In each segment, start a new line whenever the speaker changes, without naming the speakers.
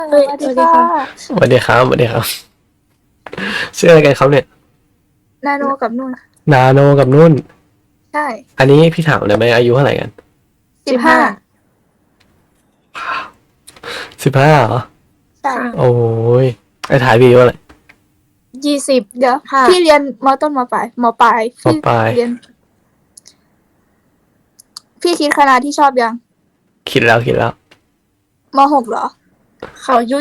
เอ้ย
สวัส
สวัสดี
ดีค่ะ
ค่ะ
สวัสดีครับสวัสดีครับชื่ออะไรกันครับเนี่ย
นาโนกับนุ่น
นาโนกับนุ่น
ใช่
อันนี้พี่ถามเลยไหมอายุเท่าไหร่กัน
15
15เหรอ
ใช่
ค่ะ
โอ้ยไอ้ถ่ายวีว่าอะไร
20
เดี๋ยว
ค่ะ
พี่เรียนมต้นมปลายพี่
ปลาย
เรียน พี่คิดคณะที่ชอบยัง
คิดแล้ว
ม.6เหรอ
เขาอายุ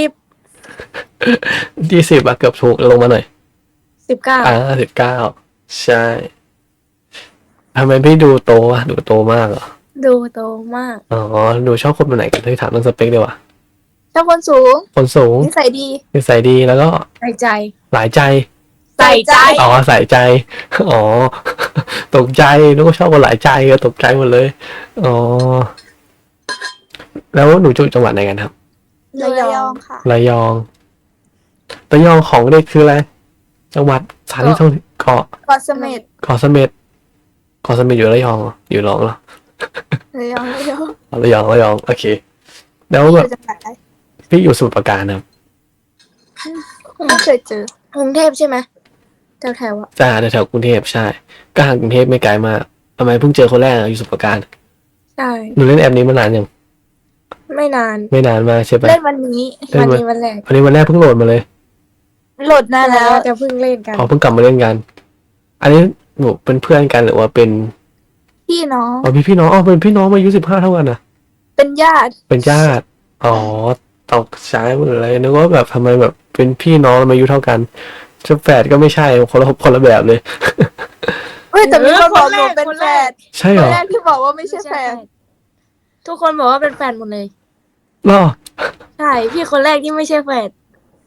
20อะเกือบถูกลงมาหน่อย
19
19ใช่ทำไมพี่ดูโตวะดูโตมากเหรอ
ดูโตมาก
อ๋อดูชอบคนแบบไหนกันที่ถามเรื่องสเปคดีกว่า
ชอบคนสูง
คนสูง
นิสัยดี
นิสัยดีแล้วก็
ใส่ใจ
หลายใจ
ใส่ใจ
อ๋อใส่ใจอ๋อตกใจนึกว่าชอบคนหลายใจก็ตกใจหมดเลยอ๋อแล้วหนูอยู่จังหวัดไหนกันครับ
ระยองค่ะ
ระยองของเด็กคืออะไรจังหวัดสถานที่ท่องเกาะ
เกาะเสม็ด
เกาะเสม็ดอยู่ระยองเหรออยู่ระยองเหรอ
ระยอง
อ๋อระยองโอเคแล้ว
พี่อ
แบบ
ยู่จังหวัดอะไร
พี่อยู่สมุทรปราการครับ
ไม่เคยเจอก
รุงเทพใช่ไหมแถวๆอ่ะ
จ้าแถวๆกรุงเทพใช่ก็ห่างกรุงเทพไม่ไกลมากทำไมเพิ่งเจอคนแรกอะอยู่สมุทรปราการ
ใช่
หนูเล่นแอปนี้มานานยัง
ไม่นาน
ไม่นานมากใช่ปะ
เล่นวันนี้
เล่
วัน น
มา
นี้วันแรก
วันนี้วันแรกเพิ่งโหลดมาเลย
โหลดนานแล้ว
จะเพิ่งเล่นกัน
อ๋อเพิ่งกลับมาเล่นกัน อันนี้หนูเป็นเพื่อนกันหรือว่าเป็น
พี่น้อง
อ๋อพี่น้องอ๋อเป็นพี่น้องมาอายุ15เท่ากันนะ
เป็นญาติ
เป็นญาติอ๋อตกใจหมดเลยนึกว่าแบบทำไมแบบเป็นพี่น้องมาอายุเท่ากันจะแฝดก็ไม่ใช่คนละแบบเลย
เฮ้ยแต่มีคนบอกหนูเป็นแฟน
ใช่
ค
เหร
น
อ
แรกที่บอกว่าไม่ใช่แฟน
ทุกคนบอกว่าเป็นแฟนหมดเลย
ล่อ
ใช่พี่คนแรกที่ไม่ใช่แฟน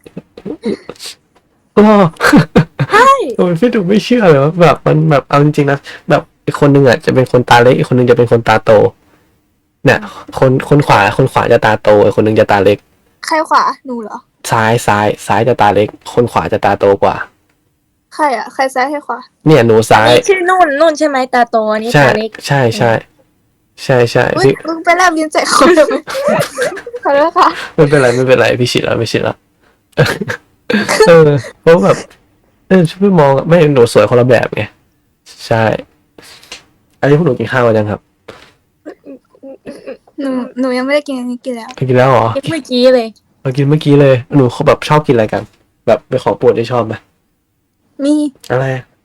ล่อ
ใช่
โอ้ยพี่ดูไม่เชื่อเลยว่าแบบมันแบบเอาจริงๆนะแบบอีกคนนึงอ่ะจะเป็นคนตาเล็กอีกคนนึงจะเป็นคนตาโตเนี่ยคนขวาจะตาโตอีกคนนึงจะตาเล็ก
ใครขวาหนูเหรอ
ซ้ายจะตาเล็ก คนขวาจะตาโตกว่า
ใครอ่ะ ใครซ้ายใครขวา
เนี่ยหนูซ้าย
นี่ชื่อนุ่นใช่ไหมตาโตอันนี้
ใช่
ตาเล็ก
ใช่
อุ้ย
พี่
มึงไปแลบลิ้นใส่เขาเลยไหมขอโทษค่ะ
ไม่เป็นไรพี่ชิดแล้วเออเพราะแบบช่วยมองไม่หนูสวยคนละแบบไงใช่ อันนี้พวกหนูกินข้าวกันยังครับ
หนูยังไม่ได้กินอันนี้กินแล้ว
กินแล้วเหรอ
เมื่อกี้เลย
เรากินเมื่อกี้เลยหนูเขาแบบชอบกินอะไรกัน แบบเป็นของโปรดที่ชอบไหม
มี
อะไร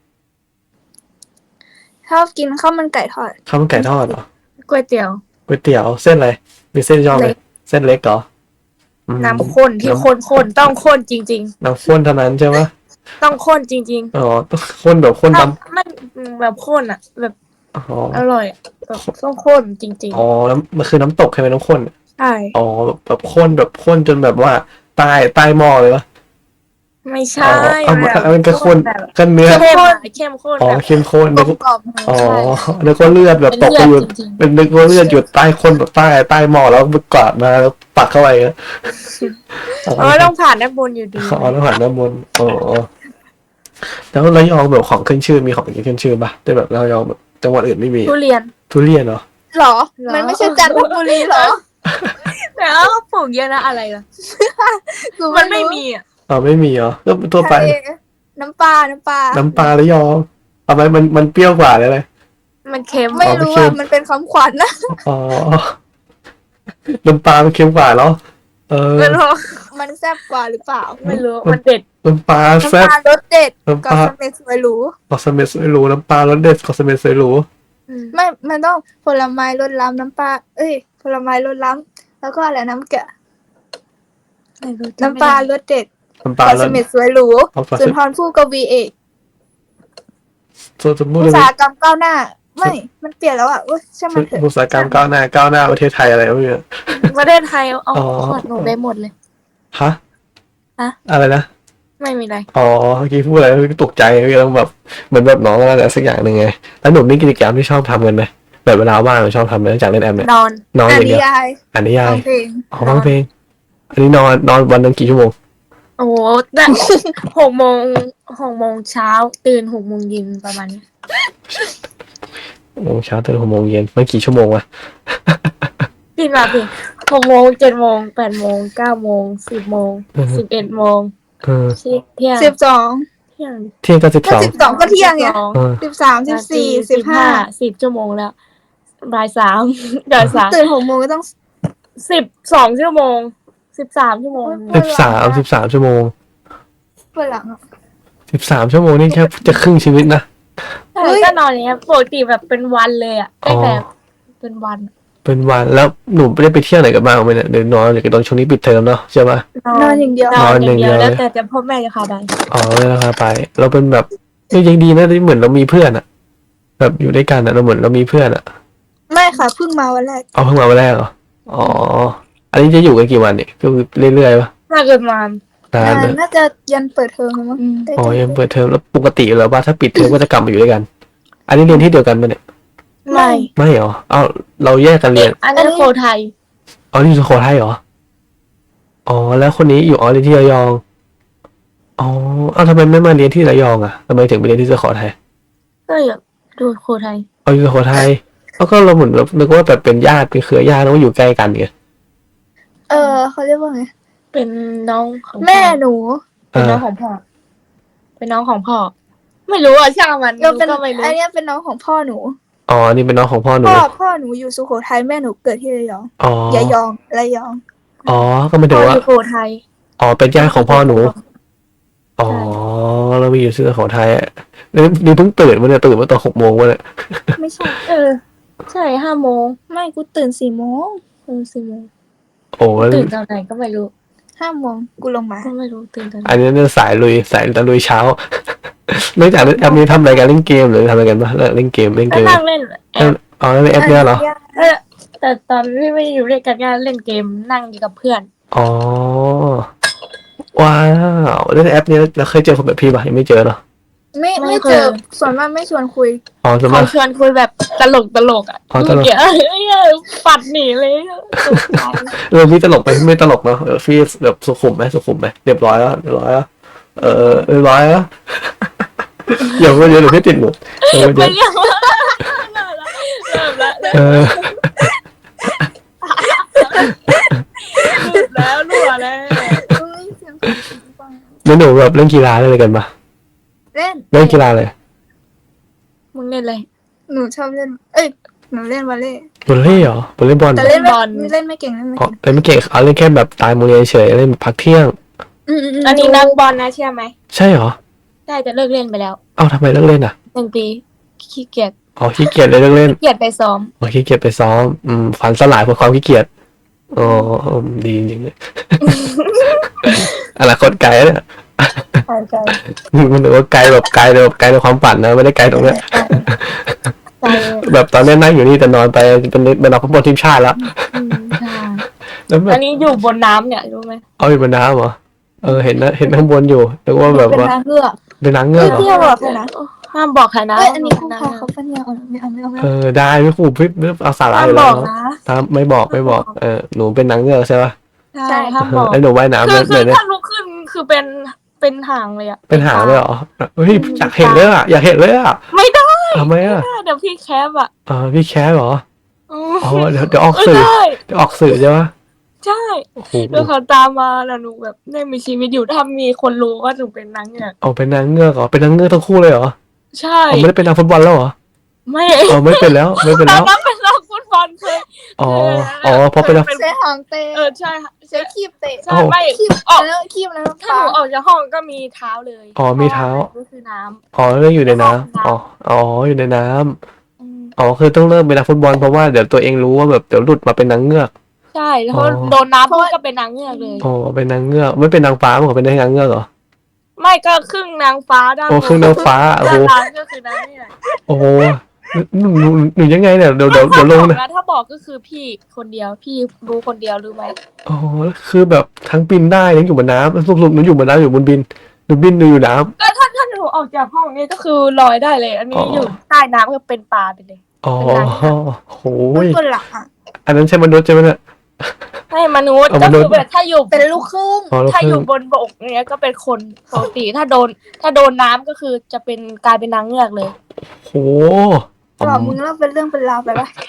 ชอบกินข้าวมันไก่ทอด
ข้าวมันไก่ทอดเหรอ
ก๋วยเตี๋ยว
ก๋วยเตี๋ยวเส้นอะไรมีเส้นชอบไหม
เล็ก
เส้นเล็กเหรออืม
น้ำข้นที่ข้นต้องข้นจริง
น้ำข้นเท่านั้นใช่ไหม
ๆ ต้องข้นจริง
อ๋อต้องข้นแบบข้น
ๆถ้า
ดำ
มันแบบข้นอ่ะ แบบ
อ๋อ
อร่อยอะแบบต้องข้นจริง
อ๋อแล้วมันคือน้ำตกใช่ไหมน้ำข้น
ๆ ใช่
อ๋อแบบข้นจนแบบว่าใต้หม้อเลยวะ
ไม่
อ๋
ใช่
อเอามันก็ข้น
แบบ
กันเนื้อ
เข้มข้น
อ๋อ
แบบ
เข้มข้น
กล
นึ
ม
ก
กล่อม
อ๋อ
ใช่
นึกว่าเลือดแบบ
เป็น
ตกไปอยู่
เลือดจริงๆ
เป็นนึกว่าเลือดอยู่ใต้ข้นแบบใต้หม้อแล้วมันกวาดมาแล้วปักเข้าไปอะอ๋อ
เพราะว่าต้องผ่านด้านบนอยู่ดี
อ๋อแล้วหันด้านบนอ๋อแล้วระยองแบบของขึ้นชื่อมีของกินขึ้นชื่อป่ะแต่แบบระยองแบบจังหวัดอื่นไม่มี
ทุเรียน
ทุเรียนเหรอ
หรอ
หรอ
มันไม่ใช่จันทบุรีหรอ
แต่ว่าเขาปลูกเยอะนะอะไรล่ะ
หนู
มันไม่มีอ่ะ
อ๋อไม่มีเหรอก็ทั่วไป
ทะเลน้ำปลา
น้ำปลาระยองทำไมมันเปรี้ยวกว่าเลย
มันเค็ม
ไม่รู้
อ๋อไม่เค็
อ่ะ
ม
มันเป็นคำขวัญนะ
อ๋อน้ำปลามันเค็มกว่าเหรอ
ไม่รู้
มันแซ่บกว่าหรือเปล่า
ไม่รู้มันเด็ด
น้ำปลา
น้ำ
แซ่บ
ปลารสเด็ด
น้ำป
กับ
ลา
สเม็ดสวยหรู
กอสเมดสวยหรูน้ำปลารสเด็ดกอสเมดสวยหรู
ไม่ มันต้องผลไม้รสล้ำน้ำปลา เอ้ย ผลไม้รสล้ำแล้วก็อะไรน้ำแกะ
ไม่รู้
น้ำปลารสเด็ด
น้ำปลา
กับ
ร
ส
ส
เม็ดสวยหรู
เอาปลา
สุนทรภู่กวีเอก
สมมุติ
อุต
เลย
สาหกรรมก้าวหน้า ไม่ มันเปลี่ยนแล้วอ่ะอุ้ยช่างมันเถอะ
อุตสาหกรรมก้าวหน้าประเทศไทยอะไรวะเนี่ย
ประเทศไทยเอา
อ๋อ
ขวดหนูไปหมดเลย
ฮะ
ฮะ
อะไรนะ
ไม่มีอะไร
อ๋อเมื่อกี้พูดอะไรตกใจแล้วแบบเหมือนแบบน้องอะไรสักอย่างหนึ่งไงแล้วหนุ่มนี่กิจกรรมที่ชอบทำกันไหมแบบเวลาว่างชอบทำไหมนอกจากเล่นแอมเนี่ย
นอน
นอน
อ่า
อน ย่าง
นิ
เดียวย
าย
อ่านนิยา
ฟั
ย
งเพลง
อ๋อฟังเพลงอันนี้นอนวันหนึงกี่ชั่วโมง
โอ้โหแต่ 6 โมงเช้าตื่น6 โมงเย็นประมาณนี้
6 โมงเช้าตื่น6 โมงเย็นมันกี่ชั่วโมงวะ
พี่มาพี่ 6 โมง 7 โมง 8 โมง 9 โมง 10 โมง 11 โมง เที่ยง
12
เที่ยง
เที่ยงก็
ก็
12
12ก็เที่ยงไง
เออ
13 14 15
10 ชั่วโมงแล้วบ่าย 3 บ่าย3
ตื่น6 โมงก็ต้อง
12 ชั่วโมง 13 ชั่วโมง
13 ชั่วโมง
เปิดหลังอ่ะ
13 ชั่วโมงนี่แค่จะครึ่งชีวิตนะ
ใช่ก็นอนอย่างเงี้ยปกติแบบเป็นวันเลยอ่ะตั้งแต่เป็นวัน
เป็นวันแล้วหนูไม่ได้ไปเที่ยวไหนกันบ้างไหมเนี่ยเดี๋ยวนอนหรือตอนช่วงนี้ปิดเทอมเนาะใช่ปะ
นอนอย่างเดียว
นอนอย่างเดียว
นอนอย่างเดียว
แล้วแต่พ่อแม่จะพาไป
อ๋อเลยราคาไป เราเป็นแบบยังดีนะที่เหมือนเรามีเพื่อนอะแบบอยู่ด้วยกันอะเราเหมือนเรามีเพื่อนอะ
ไม่ค่ะเพิ่งมาวันแรก
เอาเพิ่งมาวันแรกเหรออ๋ออันนี้จะอยู่กันกี่วันเนี่ยก็คือเรื่อยๆปะ
น่าเกิดมาน
านเลย
น่าจะยันเปิดเทอมมั้งได้
อ๋อ
เจอ
ยังเปิดเทอมแล้วปกติแล้วว่าถ้าปิดเทอมก็จะกลับมาอยู่ด้วยกัน อันนี้เรียนที่เดียวกันปะเนี่ย
ไม่
ไม่เหรอเอาเราแยกกันเรียน
อันนี้โคไทย
อ๋อนี่อยู่สุโขทัยเหรออ๋อแล้วคนนี้อยู่อ๋อเรียนที่ระยองอ๋อเอาทำไมไม่มาเรียนที่ระยองอะทำไมถึงไปเรียนที่สุโขทัย
ก็อยากดูโคไทย
เอาอยู่สุโขทัยแล้วก็เราเหมือนแบบนึกว่าแบบเป็นญาติเป็นเครือญาติแล้วก็อยู่ใกล้กันไง
เขาเรียกว่าไง
เป็นน้องของ
แม่หนู
เป็นน้องของพ่อ เป็นน้องของพ่อ ไม่รู้อ่ะช่างมัน
ก็เป็น
ก็ไม่รู้
อันเนี้ยเป็นน้องของพ่อหนู
อ๋อนี่เป็นน้องของพ่อหนู
พ่อหนูอยู่สุโขทัยแม่หนูเกิดที่ระยอง
อ๋อย
ายองระยอง
อ๋อก็ไม่
พ่
ถึ
อง อ
ว่า
ยู่โคไทย
อ๋อเป็นญาติของพ่อหนู อ๋อ
ใช่
เรามีอยู่ที่สุโขทัยอ่ะนี่เพิ่งตื่นมาเนี่ยตื่นมาตอน6 โมงวะเนี่ย
ไม่ใช่
ใช่5 โมง
ไม่กูตื่น4 โมง
4 โมง
โอ้แล้ว
ตื่นตอนไหนก็ไม่รู้
5 โมงกูลงมา
ก็ไม่รู้ตื่นตอนไหน
อันนี้เนี่ยสายตะลุยเช้า นอกจากเล่นแอปนี้ทำอะไรกันเล่นเกมหรือทำอะไรกันบ้างเล่นเกม
ก็นั่งเล่นแอป
อ๋อเล่นแอปเนี่ยเหรอ
แต่ตอนที่ไม่อยู่ด้วยกันก็เล่นเกมนั่งอยู่กับเพื่อน
อ๋อว้าวเล่นแอปนี้แล้วเคยเจอคนแบบพี่ป่ะยังไม่เจอเนาะ
ไม่เจอส่วนมากไม่ชวนคุย
อ๋อสมม
เขา
ติ
ชวนคุยแบบตลกอ่ะ
อ๋อตลก
เมื่อกี้ปัดหนีเลยตกใจ
พี่ตลกไปไม่ตลกเนาะพี่แบบสุขุมไหมเรียบร้อยแล้วเรียบร้อยแล้วเรียบร้อยแล้ว อย่ามาเยอะหรือพี่ติดหมดอย่ามาเย
ไม่
อะ
เรียกว่าเริ่มแล้ว
เออ
หลุดแล้วรั่วแล้ว
แล้วหนูแบบเล่นกีฬาอะไรกันปะ
เล่น
เล่นกีฬาอะไร
มึงเล่นอะไร
หนูชอบเล่น หนูเล่นวอลเลย์
วอลเลย์เหรอวอลเลย์บอล
แต่เล่น
บอล
เล่นไม่เก่งเล่นไม่
อ๋อ
เก่ง
เล่นไม่เก่งเอาเล่นแค่แบบตายโมงเรียนเฉยเล่นพักเที่ยง
อันนี้นักบอลนะเชื่อไหม
ใช่เหรอ
ได้จะเลิกเล่นไปแล้ว
เอ้าทำไมเลิกเล่นอ่ะ
1 ปีขี้เกียจ
อ๋อขี้เกียจเลยเลิกเล่น
ขี้เกียจไปซ้อม
อ๋อขี้เกียจไปซ้อมฝันสลายเพราะความขี้เกียจอ๋อดีจริงๆเลย อนาคตไกลเนี่ย
ใจ
มันถือว่าไกลแบบไกลในความฝันนะไม่ได้ไกลตรงเนี้ย
ใจ
แบบตอนนี้นั่งอยู่นี่แต่นอนไปเป็นนักฟุตบอลทีมชาติแล้ว
ใช่
แล้วแบ
อั
บ
นนี้อยู่บนน้ำเนี่ยรู้ไหม
เอาอยู่บนน้ำเหรอเห็นนะเห็นข้างบนอยู่แต่ว่าแบบ
เป็น
ว่า
ทางเลือก
เป็นนางเงือกเหรอ
เที่ยวบอกใครนะ
ห้ามบอกใครนะ
อันนี้คุณพาเขาเป็นยังไม่เอา
ได้ไม่ขู่พี่เอาสาระ
ห้า
อ
ม
ยู่
บ
แล้
อ
ว
กนะ
ถ้าไม่บอกหนูเป็นนางเงือกใช่ป่ะ
ใช่ห้ามบอก
ไอ้หนูว่ายน้ำ
คื
เล
อย
เนี่ย
ถ้าลุกขึ้นคือเป็นหางเลยอะ
เป็นหางเลยเหรอเฮ้ยอยากเห็นเลยอ่ะอยากเห็นเลยอ่ะ
ไม่ได้
ทำไมอ่ะ
เดี๋ยวพี่แคปอะ
พี่แคสเหรอ อ๋อเดี๋ยวออก
เออ
สื่อ
ใช่
เดี๋ยวออกสื่อใช่ปะ
ใช่
โอ้โห
แล้วเขาตามมาแล้วหนูแบบได้มีชีวิตอยู่ถ้ามีคนรู้ว่าหนูเป็นนางเนี่ย
เอาเป็นนางเงือกเหรอเป็นนางเงือกทั้งคู่เลยเหรอ
ใช่
อ๋อไม่ได้เป็นนักฟุตบอลแล้วเหรอ
ไม่
อ๋อไม่เป็นแล้วไม่เป็น
ตอ
แล้
น
ว
นั้นเป็นนักฟุตบอลเคย
อ๋อเพราะเป็นนัก
ใช้หางเตะ
ใช่ค่ะ
ใช้คีบเตะ
ใช่ไม่
คีบ
ออก
แล้วคีบแล้ว
ถ้าหนูออกจากห้องก็มีเท้าเลย
อ๋อมีเท้า
ก็คือน้ำ
อ๋อเรื่องอยู่ในน้ำอ๋ออยู่ในน้ำ
อืม
อ๋อคือต้องเริ่มเป็นนักฟุตบอลเพราะว่าเดี๋ยวตัวเองรู้ว่าแบบเดี๋ยวหลุดมาเป็นนางเงือก
ใช่แล้ว
อ๋อ
โดนน้ำปุ๊บก็เป็นนางเงือกเลย
อ๋อเป็นนางเงือกไม่เป็นนางฟ้าเหรอเป็นนางเงือกเหรอ
ไม่ก็ครึ่งนางฟ้าด้าน
โอ้ครึ่งนางฟ้าโอ้โห
ด้านล่างก็คือนางเงือก
โอ้โหหนูยังไงเนี่ยเดี๋ยวลงนะ
ถ้าบอกก็คือพี่คนเดียวพี่รู้คนเดียวรู้ไหม
อ๋อคือแบบทั้งบินได้ทั้งอยู่บนน้ำสรุปหนูอยู่บนน้ำอยู่บนบินหนูบินหนูอยู่น้ำ
ก็ถ้าหนูออกจากห้องนี้ก็คือลอยได้เลย อันนี้
อ๋อ
อ
อ
ยู่ใต้น้ำก็เป็นปลาไปเลย
อ๋อ
เป็นนางเงือก
โห
เป็น
ย
คนหลักอ่ะ
อันนั้นใช่มนุษย์ใช่ไหมเนี่ย
ให้มนุษย์
เอา
ก็
มนุษย์
คือแบบถ้าอยู่
เป็นลูกครึ่ง
อ๋อแล้ว
ถ้า
คื
อ
อยู่
บนบกเนี้ยก็เป็นคนปกติถ้าโดนน้ำก็คือจะเป็นกลายเป็นนางเงือกเลย
โห
บอกมึงเล่าเป็นเรื่องเป็นราวไปปะ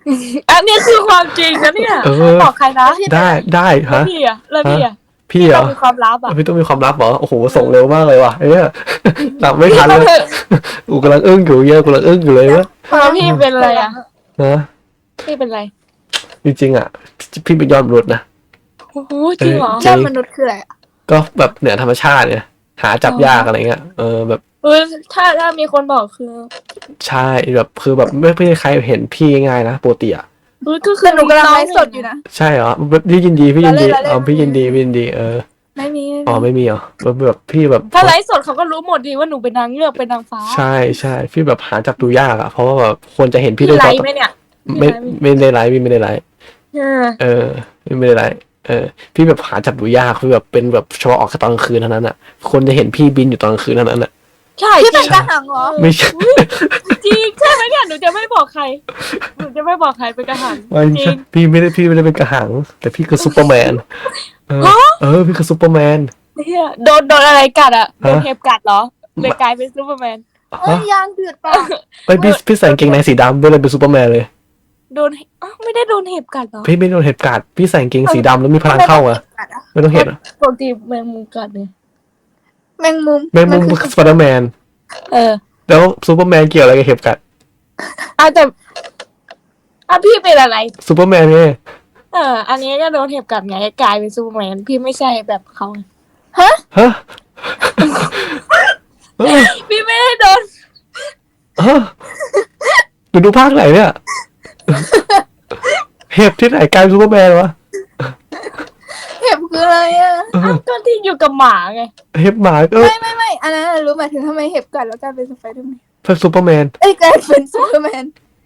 อันนี้คือความจริงนะเนี่ย
เออ
ไม่บอกใครนะ
ได้
แล้ว
ฮะ
พี่อะแล้วพี่อะ
พี่เหร
ต้
อ
องมีความลับอะ
พี่ต้องมีความลับเหรอโอ้โหส่งเร็วมากเลยว่ะเนี่ยตามไม่ทันเลยอูกำลังอึ้งอยู่เยอะกำลังอึ้งอยู่เลยวะ
แล้วพี่เป็นอะไรอะ
นะ
พี่เป็นอะไร
จริงๆอ่ะพี่เป็นยอดมนุษย์นะ
โอ้โหจริงเหรอ
จริ
ยอง ดมนุษย์คืออะไรอะ
ก็แบบเหนือธรรมชาติเนี่ยหาจับยากอะไรเงี้ยแบบ
ถ้ามีคนบอกคือ
ใช่แบบคือแบบไม่มีใครเห็นพี่ง่ายนะปกติอ่ะ
ก็คื
คือ อหนูกำลังไลฟ์สดอยู่นะ
ใช่เหรอแบบพี่ยินดีพี่ยินดี
เราเล่น
พี่ยินดีพี่ยินดี
ไม่มี
อ๋อไม่มีเหรอแบบพี่แบบ
ถ้าไลฟ์สดเขาก็รู้หมดดีว่าหนูเป็นนางเงือกเป็นนางฟ้า
ใช่พี่แบบหาจับดูยากอ่ะเพราะว่าแบบควรจะเห็นพี่
พี่
ด้วย
ไล
ตา
ฟ์ไหมเนี่ย
ไม่ได้ไลฟ์พี่ไม่ได้ไลฟ์
เออ
ไม่ได้ไลฟ์พี่แบบหาจับดูยากคือแบบเป็นแบบเฉพาะออกแค่ตอนกลางคืนเท่านั้นอ่ะคนจะเห็นพี่บินอยู่ตอนกลางคืนเท่านั้นอ่ะ
ใช่
พี่
จ
เป็
ริ
น
ง
กระหังเหรอ
ไม่ใช่
จริงใช่ไหมเนี่ยหนูจะไม่บอกใครหนูจะไม่บอกใครเป็นกระหัง
ไม่
จริ
ใช่
ง
พี่ไม่ได้เป็นกระหัง แต่พี่คือซูเปอร์แมนพี่คือซูเปอร์แมน
เนี่ยโดนอะไรกัดอะโดน
ฮะ
เห็บกัดเหรอเลยกลายเป็นซูเปอร์แมน
เอ้ยยางเดือดปะ
ไปพี่ใส่กางเกงในสีดำด้วยเลยเป็นซูเปอร์แมนเลย
โดนไม่ได้โดนเห็บกัดเหรอ
พี่ไม่โดนเห็บกัดพี่ใส่กางเกงสีดำแล้วมีพลังเข้าอ่ะ
กัดอะ
ไม่ต้องเห็นอะ
ปกติแมงมุมกัดเนี่ย
แมงมุม
แมงมุม
น
คือสไปเดอร์แมน
เออ
แล้วซูเปอร์แมนเกี่ยวอะไรกับเห็บกัด
แต่พี่เป็นอะไร
ซูเปอร์แมนไง
อันนี้ก็โดนเห็บกัดไงกลายเป็นซูเปอร์แมนพี่ไม่ใช่แบบเขาไง
ฮะฮะ
พี่ไม่ได้โดน
ฮะดูภาคไหนเนี่ยเห็บที่ไหนกลายเป็นซูเปอร์แมนวะ
เห็บคืออะไรอะ
ก็ที่อยู่กับหมาไง
เห็บหมาก็
ไม่อันนั้นรู้หมายถึงทำไมเห็บกัดแล้วกลายเป็นสไปเดอร์แมน
เป็นซูเปอร์แมน
เอ้ยกลายเป็นซูเปอร์แมน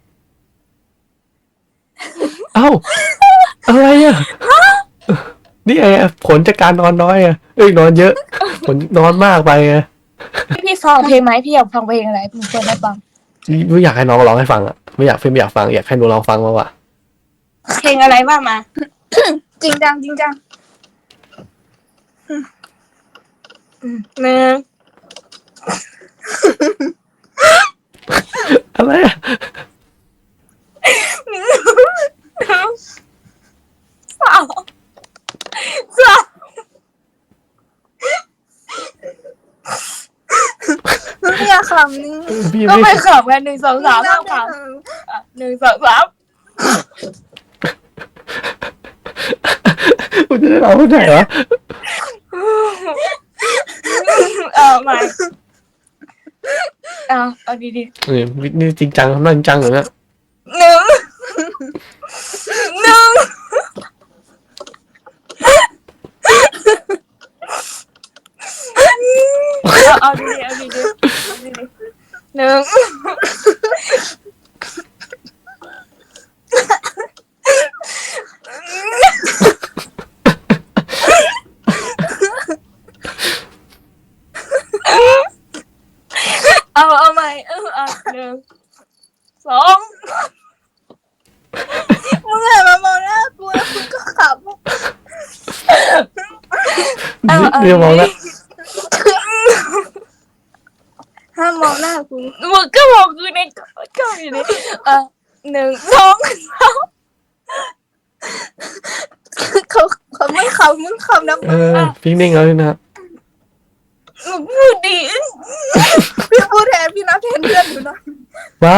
เอ้าอะไรอ่ะนี่ไงผลจากการนอนน้อยอ่ะนอนเยอะผลนอนมากไปไง
พี่ฟังเพลงไหมพี่อยากฟังเพลงอะไรหนูเปิดได้ฟัง
ไม่อยากให้น้องร้องให้ฟังอ่ะไม่อยากอยากฟังอยากให้หนูร้องฟังมากกว่า
เพลงอะไรบ้างมา
จริงจัง
หนึ่ง
อะไรอ่ะ
สามสาม
ไม่อยากขำนี่
พี่
ก็
ไม่
ไม่ขำกันหนึ่งสองสามห้ามขำหนึ่งสองสาม
กูจะได้ร้องที่ไหนวะ
ไม่เอาดี
นี่จริงจังนั่งจริงจังเลยนะ
ๆหนึ่งเอาดีๆหนึ่งเอาใหม่หนึ่งสอง
มึงหันมามองหน้ากูแล้วมึงก็ขำ
เดี๋ยวมองแล้ว
ห้ามมองหน้ากู
มึงก็บอกคือในก็อยู่ในหนึ่งสองสาม
เขาไม่ขำมึงขำนะ
พี่นิ่งแล้วนะ
มึงพูดดี
พี่พูดแทนพี่นับแทนเพื่อนอยู่นะ
มา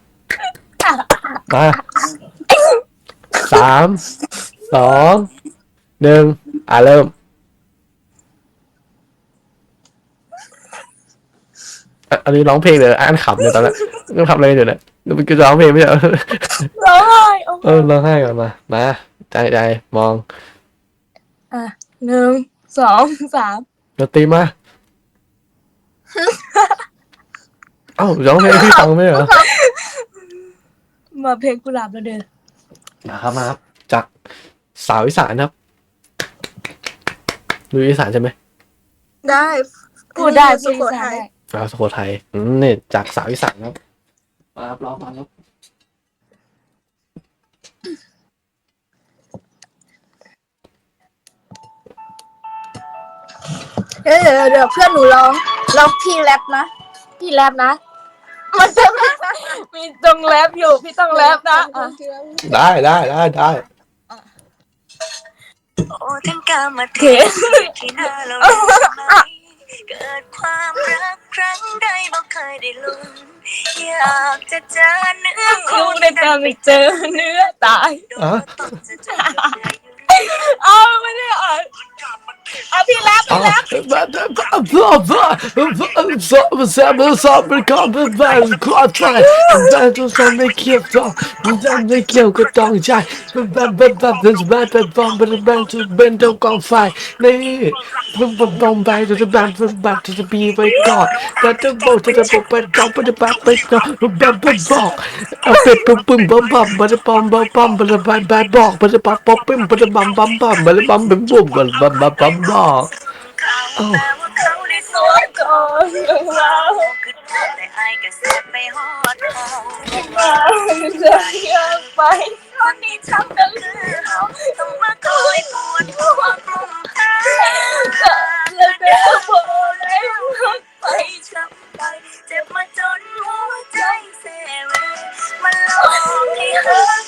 สามสองหนึ่งเริ่มอันนี้ร้องเพลงเลยอ่านขำเลยตอนนั้นก็ทำอะไรอยู่เนี่ยมันคือร้องเพลงไม่ใช่
ร้องไห้
ร้องไห้ก่อนมาใจมอง
หนึ่งสองสาม
ดนตรีมาเอ้าร้องเพลงให้พี่ฟังไหมเหรอ
มาเพลงกุหลาบแล้วเดิน
มาครับจากสาวอีสานครับดูอีสานใช่ไหม
ได้
พูดได้
สุ
พูด
โข
อีสาน
ทัย
ได้
สาวสุโขทัยนี่จากสาวอีสานครับมาครับร้องมาครับ
เดี๋ยวเพื่อนหนูร้องพี่แรปนะ
พี่แรปนะ
มันจะไม่
มีต้องแรปอยู่พี่ต้องแรปนะอ่ะ
ได้
โอ้ทั้งกามาเทที่หน้าเราไหมเกิดความรักครั้งใดบ่เคยได้ลุ้นอยากจะเจอเนื้อ
คู่
คู่
ในการไปเจอเนื้อตาย
โดนว่าต้องจะเจอกับเนื้ออยู่
เอาไม่ได้อ่ะเอาพี่แรปพี่แรป
ไม่เกี่ยวก็ต้องใจเป็นเจ้ากองไฟนี่บอมไปจะบีไว้ก่อนแต่จะบอกไปก่อนบอกเอาเป็ดปึ้มบอมมันจะปอมบอกมันจะบอกมันจะป๊อปปึ้มมันจะบัมมันจะบัมเป็นบุ้มมันบอก
แต่ว่าเขาได้สว
ตัวย ก่อนเรา
คือแต่ไอ้ก็เสียไปฮอดเขา
มาจะอยากไปคนนี้ทำกัน
คือเขาต้องมาคอยปวดหัวกลุ่มหา
แล้วก็บอกได้รักไป
ช้ำไปเจ็บมาจนหัวใจเซเวมันหลอกให้หา